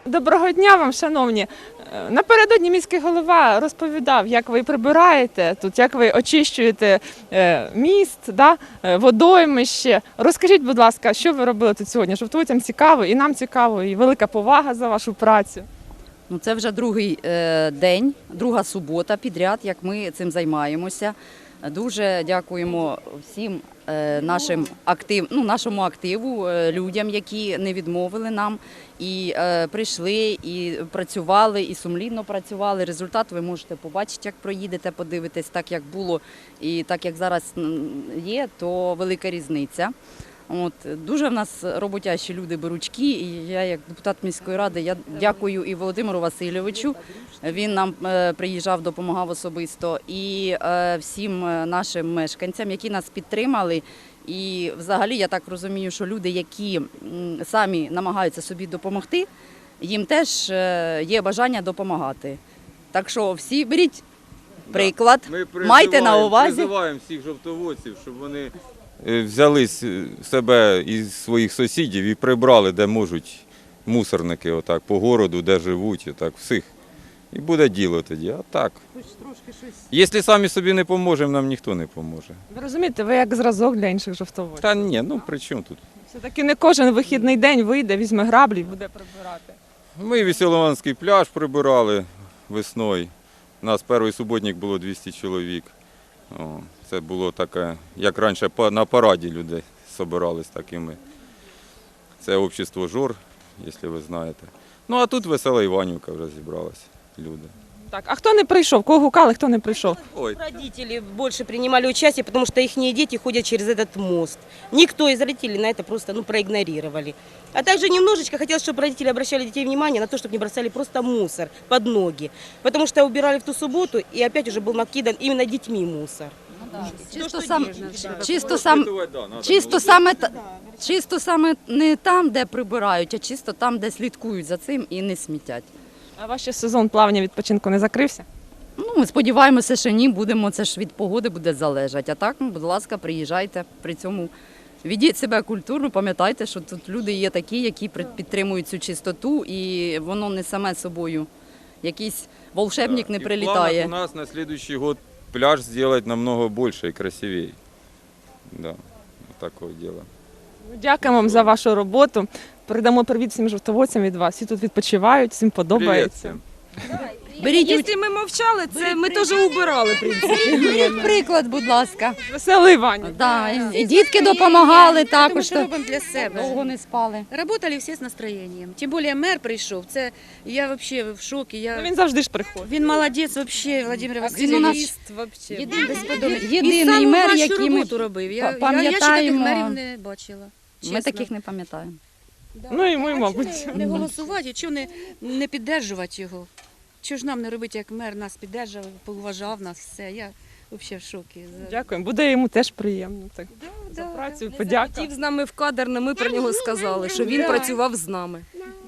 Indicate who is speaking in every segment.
Speaker 1: Доброго дня вам, шановні. Напередодні міський голова розповідав, як ви прибираєте тут, як ви очищуєте міст, водоймище. Розкажіть, будь ласка, що ви робили тут сьогодні? Жовтоводцям цікаво, і нам цікаво, і велика повага за вашу працю.
Speaker 2: Це вже другий день, друга субота підряд, як ми цим займаємося. Дуже дякуємо всім нашому активу, людям, які не відмовили нам і прийшли, і працювали, і сумлінно працювали. Результат ви можете побачити, як проїдете, подивитесь, так як було і так як зараз є, то велика різниця. Дуже в нас роботящі люди беручки, і я як депутат міської ради я дякую і Володимиру Васильовичу, він нам приїжджав, допомагав особисто, і всім нашим мешканцям, які нас підтримали. І взагалі я так розумію, що люди, які самі намагаються собі допомогти, їм теж є бажання допомагати. Так що всі беріть приклад, майте на увазі.
Speaker 3: Ми призиваємо всіх жовтоводців, щоб вони взяли себе і своїх сусідів і прибрали, де можуть, мусорники отак, по городу, де живуть, отак, всіх. І буде діло тоді, а так. Якщо самі собі не поможемо, нам ніхто не поможе.
Speaker 1: Ви розумієте, ви як зразок для інших жовтоводців.
Speaker 3: Та ні, при чому тут?
Speaker 1: Все-таки не кожен вихідний день вийде, візьме граблі і буде прибирати.
Speaker 3: Ми Веселованський пляж прибирали весною. У нас перший суботник було 200 чоловік. Це було таке, як раніше на параді люди збирались, так і ми. Це общество ЖОР, якщо ви знаєте. А тут Весела Іванівка вже зібралась, люди.
Speaker 1: Так, а хто не прийшов? Кого гукали, хто не прийшов?
Speaker 4: Родители больше принимали участие, потому что их дети ходят через этот мост. Никто из родителей на это просто проигнорировали. А также немножечко хотелось, чтобы родители обращали детей внимание на то, чтобы не бросали просто мусор под ноги. Потому что убирали в ту субботу, и опять уже был накидан именно детьми мусор.
Speaker 2: Чисто саме не там, де прибирають, а чисто там, де слідкують за цим і не смітять.
Speaker 1: А ваш ще сезон плавання відпочинку не закрився?
Speaker 2: Ми сподіваємося, що ні, це ж від погоди буде залежати. А так, будь ласка, приїжджайте, при цьому ведіть себе культурно, пам'ятайте, що тут люди є такі, які підтримують цю чистоту, і воно не саме собою. Якийсь волшебник не прилітає.
Speaker 3: І в планах у нас на наступний год пляж зробити намного більше і красивіше. Да, такое дело.
Speaker 1: Дякуємо вам за вашу роботу. Передамо привіт всім жовтоводцям від вас. Всі тут відпочивають, всім подобається.
Speaker 5: Якщо ми мовчали, це ми теж убирали, в принципі.
Speaker 2: Беріть приклад, будь ласка.
Speaker 1: Весела Іванівка.
Speaker 2: Да, і дітки допомагали також.
Speaker 5: Ми робимо для себе.
Speaker 2: Довго не спали.
Speaker 5: Работали всі з настроєнням. Тим більше мер прийшов. Це я взагалі в шокі.
Speaker 1: Він завжди ж приходить.
Speaker 5: Він молодець взагалі, Володимир
Speaker 2: Він у
Speaker 5: Васильович.
Speaker 2: нас
Speaker 5: Єдиний
Speaker 2: мер,
Speaker 5: нашу
Speaker 2: який ми
Speaker 5: роботу робив. Я ще таких
Speaker 2: пам'ятаємо.
Speaker 5: мерів не бачила.
Speaker 2: Ми
Speaker 5: чесно.
Speaker 2: таких не пам'ятаємо.
Speaker 1: Ну і ми, мабуть.
Speaker 5: Не голосувати, чого не підтримувати його? Чого ж нам не робити, як мер нас підтримав, поважав нас, все. Я взагалі в шокі.
Speaker 1: Дякуємо. Буде йому теж приємно. Так, за працю, подяка.
Speaker 6: Хотів з нами в кадр, але ми про нього сказали, що він працював з нами.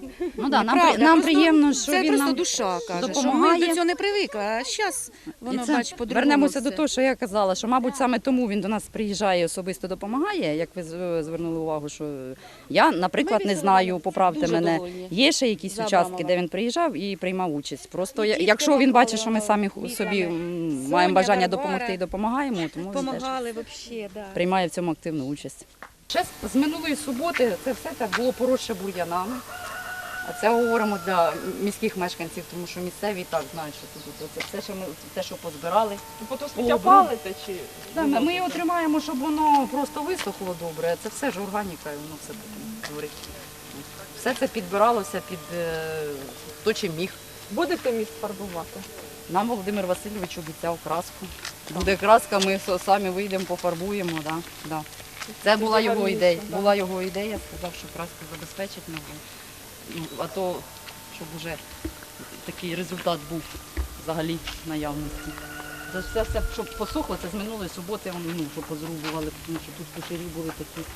Speaker 2: Нам приємно, що
Speaker 5: це
Speaker 2: він
Speaker 5: просто
Speaker 2: нам
Speaker 5: душа каже,
Speaker 2: допомагає.
Speaker 5: що ми до цього не привикли, а зараз воно, бач, по-другому.
Speaker 2: Вернемося
Speaker 5: все.
Speaker 2: до того, що я казала, що, мабуть, саме тому він до нас приїжджає і особисто допомагає, як ви звернули увагу, що я, наприклад, не знаю, поправте
Speaker 5: Дуже
Speaker 2: мене,
Speaker 5: довольні.
Speaker 2: є ще якісь участки, де він приїжджав і приймав участь. Просто якщо він бачить, що ми самі собі маємо бажання допомогти і допомагаємо, тому він теж
Speaker 5: Помагали взагалі, да.
Speaker 2: приймає в цьому активну участь. Ще з минулої суботи це все так було поросше бур'янами. А це говоримо для міських мешканців, тому що місцеві і так знають, що тут це все, що ми те, що позбирали.
Speaker 1: Потім сміття палите чи?
Speaker 2: Ми його тримаємо, щоб воно просто висохло добре. А це все ж органіка, і воно все таке творить. Все це підбиралося під хто чим міг.
Speaker 1: Будете міст фарбувати?
Speaker 2: Нам Володимир Васильович обіцяв краску. Буде краска, ми самі вийдемо, пофарбуємо. Да. Це була його ідея. Сказав, що краску забезпечить нам. А то, щоб вже такий результат був взагалі в наявності. Це все, щоб посохло, це з минулої суботи, щоб позрубували, тому що тут кучері були такі.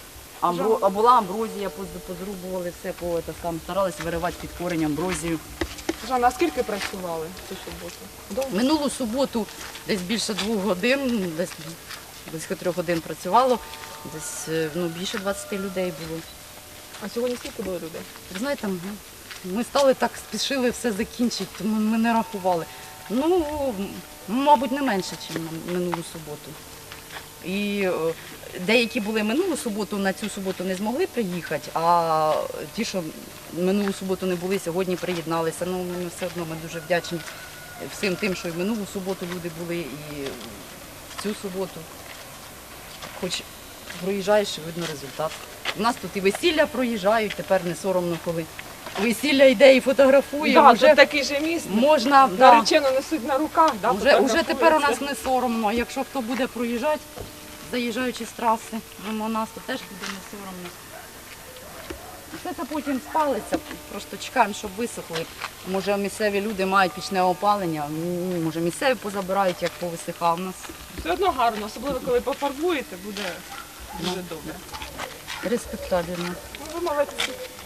Speaker 2: А була амброзія, позрубували все, старалися виривати під корінь амброзію.
Speaker 1: Жанна, а скільки працювали цю суботу?
Speaker 2: Минулу суботу десь більше 2 годин, десь близько 3 годин працювало, десь більше 20 людей було.
Speaker 1: А сьогодні скільки було людей?
Speaker 2: Ви знаєте, Ми стали так, спішили все закінчити, тому ми не рахували. Ну, мабуть, не менше, ніж на минулу суботу. І деякі були минулу суботу, на цю суботу не змогли приїхати, а ті, що минулу суботу не були, сьогодні приєдналися. Ну, ми все одно ми дуже вдячні всім тим, що і в минулу суботу люди були, і в цю суботу. Хоч проїжджаєш, і видно результат. У нас тут і весілля проїжджають, тепер не соромно, коли весілля йде і фотографує.
Speaker 1: Да,
Speaker 2: вже
Speaker 1: тут такий же міст.
Speaker 2: можна,
Speaker 1: Наречену несуть на руках, да,
Speaker 2: Уже тепер у нас
Speaker 1: фотографуються.
Speaker 2: не соромно. Якщо хто буде проїжджати, заїжджаючи з траси мимо нас, то теж буде не соромно. Все це потім спалиться, просто чекаємо, щоб висохли. Може місцеві люди мають пічне опалення, може місцеві позабирають, як повисихав у нас.
Speaker 1: Все одно гарно, особливо коли пофарбуєте, буде дуже добре.
Speaker 2: Респектабельно.
Speaker 1: Ну, ви молодці.